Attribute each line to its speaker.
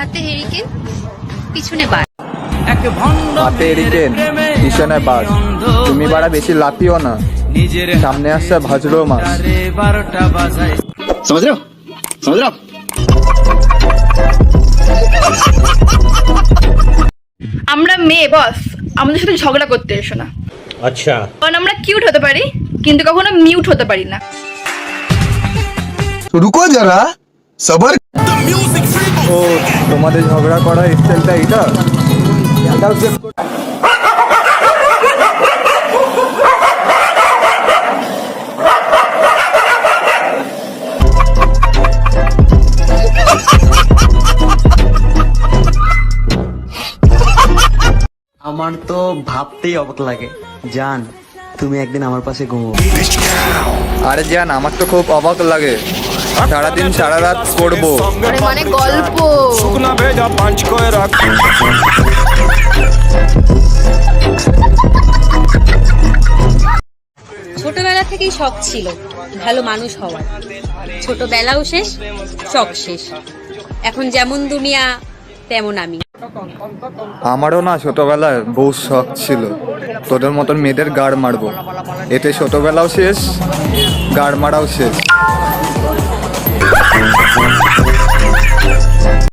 Speaker 1: হাতে হেরিকেন পিছনে বাস।
Speaker 2: হাতে এরিকেন পিছনে বাস। তুমি বাড়া বেশি লাফিও না, সামনে আসছে ভাজরো মাছ।
Speaker 3: समझ रहे हो समझ रहे हो।
Speaker 4: আমরা মেয়ে বস, আমাদের সাথে ঝগড়া করতে এসো না।
Speaker 5: अच्छा
Speaker 4: কারণ আমরা কিউট হতে পারি কিন্তু কখনো মিউট হতে পারি না।
Speaker 6: रुको जरा सबर।
Speaker 2: ও তোমাদের ঝগড়া করার স্টাইলটা এটা?
Speaker 7: আমার তো ভাবতেই অবাক লাগে জান তুমি একদিন আমার পাশে ঘুমো।
Speaker 2: আরে জান, আমার তো খুব অবাক লাগে, সারাদিন সারা রাত করবো।
Speaker 1: আরে মানে গল্প।
Speaker 8: ছোটবেলা থেকেই শখ ছিল ভালো মানুষ হওয়ার। ছোটবেলাও শেষ, শখ শেষ। এখন যেমন দুনিয়া তেমন আমি।
Speaker 2: আমারও না ছোটবেলায় বহু শখ ছিল তোদের মতন মেয়েদের গাড় মারবো। এতে ছোটবেলাও শেষ, গাড় মারাও শেষ।